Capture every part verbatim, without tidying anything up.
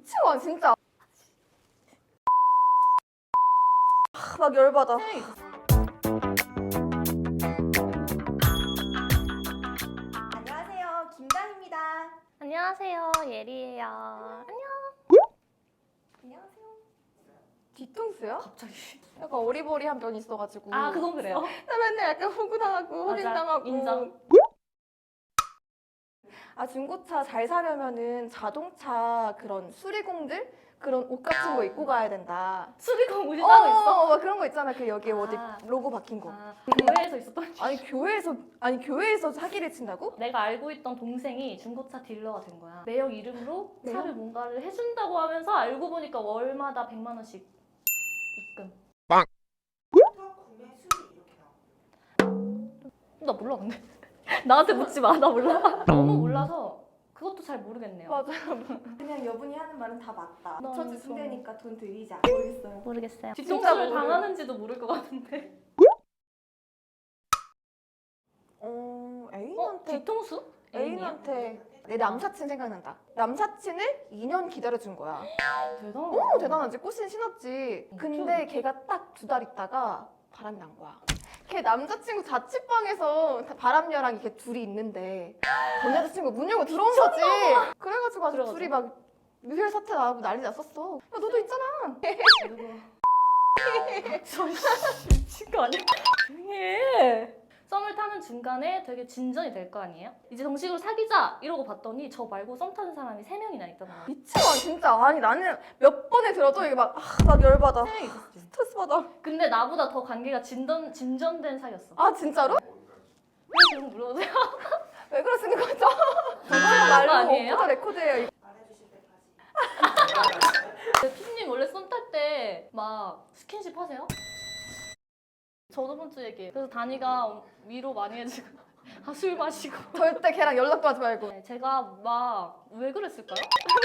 미치고 진짜. 아, 막 열받아. 안녕하세요, 김다희입니다. 안녕하세요, 예리예요. 안녕. 안녕하세요. 뒤통수요? 갑자기. 약간 어리버리한 면이 있어가지고. 아, 그건 그래요. 나 맨날 약간 호구당하고 맞아, 호갱당하고. 인정. 아, 중고차 잘 사려면은 자동차 그런 수리공들? 그런 옷 같은 거 입고 가야 된다. 수리공 옷이 어, 따로 있어? 어, 막 그런 거 있잖아. 그 여기 어디 아. 로고 박힌 거. 아, 교회에서 있었던. 아니 교회에서 아니 교회에서 사기를 친다고? 내가 알고 있던 동생이 중고차 딜러가 된 거야. 매형 이름으로 매형? 차를 뭔가를 해준다고 하면서 알고 보니까 월마다 백만 원씩 입금. 구매 수리 이렇게 나와. 나 몰라 근데. 나한테 묻지 마. 나 몰라. 너무 몰라서 그것도 잘 모르겠네요. 맞아요. 그냥 여분이 하는 말은 다 맞다. 너무 첫째 무서워. 순대니까 돈 들이자. 모르겠어요. 모르겠어요. 진짜 뒤통수를 모르- 당하는지도 모를 것 같은데. 어 어? 애인한테 뒤통수? 애인이야? 애인한테 내 남사친 생각난다. 남사친을 이 년 기다려준 거야. 대단하다. 어 대단하지. 꽃신 신었지. 어, 근데 그쵸? 걔가 딱 두 달 있다가 바람이 난 거야. 걔 남자친구 자취방에서 바람녀랑 이렇게 둘이 있는데 전 여자친구 문 열고 들어온 거지. 그래가지고 아주 그래가지고? 둘이 막 유혈 사태 나고 난리 났었어. 야 너도 있잖아. 누구? 저 미친 거 아니야? 조용히 해. 썸을 타는 중간에 되게 진전이 될 거 아니에요? 이제 정식으로 사귀자 이러고 봤더니 저 말고 썸 타는 사람이 세 명이나 있더라고요. 미치마 진짜. 아니 나는 몇 번에 들어도 이게 막, 아, 막 열받아. 세 명이 있었지. 스트레스 받아. 근데 나보다 더 관계가 진전, 진전된 사이였어. 아 진짜로? 왜 그런 거 물어보세요? 왜 그러시는 거죠? 그거 그거 말고 아니에요? 오프더 레코드예요. 말해주실 때까지. 피디님 원래 썸 탈 때 막 스킨십 하세요? 저저번 주 얘기. 그래서 다니가 위로 많이 해주고 아, 술 마시고. 절대 걔랑 연락도 하지 말고. 네, 제가 막 왜 그랬을까요?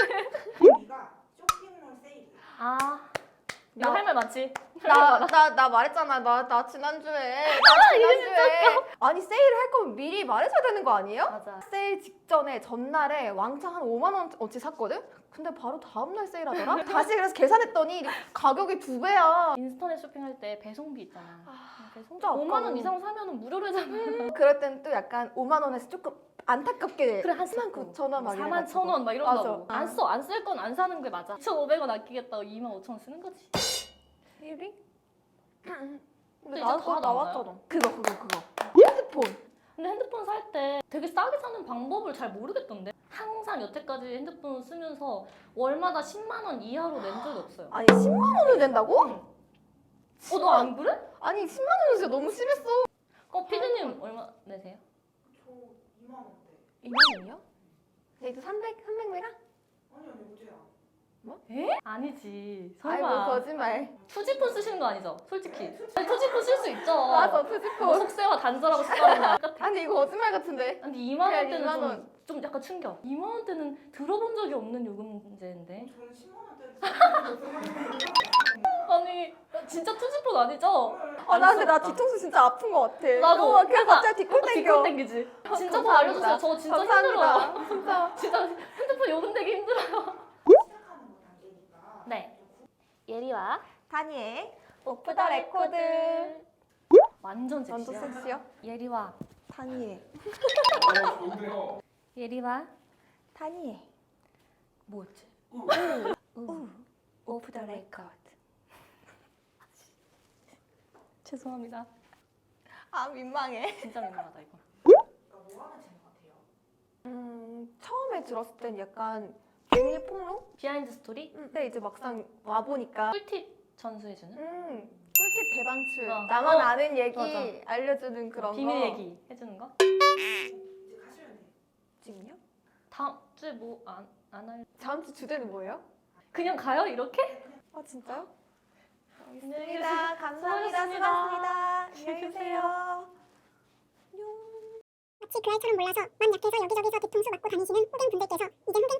네가 쇼핑몰 세일이야. 아, 이거 나- 할 말 많지? 나 나 나 말했잖아. 나 나 지난주에. 나 지난주에. 아니 세일을 할 거면 미리 말해줘야 되는 거 아니에요? 맞아. 세일 직전에 전날에 왕창 한 오만 원어치 샀거든? 근데 바로 다음날 세일하더라? 다시 그래서 계산했더니 가격이 두 배야. 인스터넷 쇼핑할 때 배송비 있잖아. 배송비 진짜 아까워. 오만 원 이상 사면은 무료로 해잖아. 그럴 땐 또 약간 오만 원에서 조금 안타깝게 그래 한 사만 구천 원 막 사만 천 원 막 이런다고. 맞아. 안 써, 안 쓸 건 안 사는 게 맞아. 이천오백 원 아끼겠다고 이만 오천 원 쓰는 거지. 일이? 근데 근데 이제 나왔, 다 나왔잖아. 그거 그거 그거. 핸드폰. 근데 핸드폰 살 때 되게 싸게 사는 방법을 잘 모르겠던데. 항상 여태까지 핸드폰 쓰면서 월마다 십만 원 이하로 낸 적이 없어요. 아니 십만 원을 낸다고? 어, 너 안 그래? 아니 십만 원은 진짜 너무 심했어. 어, 피디님 얼마 내세요? 저 이만 원대. 이만 원이요? 데이트 삼백, 삼백 메가? 아니 아니 무제야. 에? 아니지. 아이 설마. 뭐 거짓말. 투지폰 쓰시는 거 아니죠? 솔직히. 아니, 투지폰 쓸 수 있죠. 맞아 뭐 투지폰. 속세와 단절하고 싶다는 똑같아. 아니 이거 거짓말 같은데. 근데 이만 그냥 원대는 이만 좀, 원. 좀 약간 충격. 이만 원대는 들어본 적이 없는 요금 문제인데. 저는 십만 원대를 아니 진짜 투지폰 아니죠? 아 나 근데 나 뒤통수 진짜 아픈 거 같아. 나도. 어, 그냥 약간 갑자기 뒷골 땡겨. 뒷골 땡기지. 진짜 더 감사합니다. 알려주세요. 저 진짜 감사합니다. 힘들어요. 진짜. 진짜 핸드폰 요금 내기 힘들어요. 시작하는 거 단계니까. 네. 예리와 다니엘 오프 더 레코드. 완전 섹시야. 완전 섹시요? 예리와 다니엘. 예리와 다니엘. 뭐였지? 우. 오프 더 레코드. 죄송합니다. 아 민망해. 진짜 민망하다 이거. 그러니까 뭐 하면 재능 같아요? 음 처음에 들었을 땐 약간 비밀 폭로? 비하인드 스토리? 근데 이제 막상 와 보니까 꿀팁 전수해주는? 음 꿀팁 대방출. 어. 나만 어. 아는 얘기 맞아. 알려주는 그런 비밀 거. 얘기 해주는 거? 이제 가시면 돼요. 지금요? 다음 주에 뭐 안 안 할? 다음 주 주제는 뭐예요? 그냥 가요 이렇게? 아 진짜요? 안녕히 계세요. 감사합니다. 감사합니다. 수고하셨습니다. 수고하셨습니다. 안녕히 계세요. 마치 그 아이처럼 몰라서 맘 약해서 여기저기서 뒤통수 맞고 다니시는 호갱 분들께서 이젠 호갱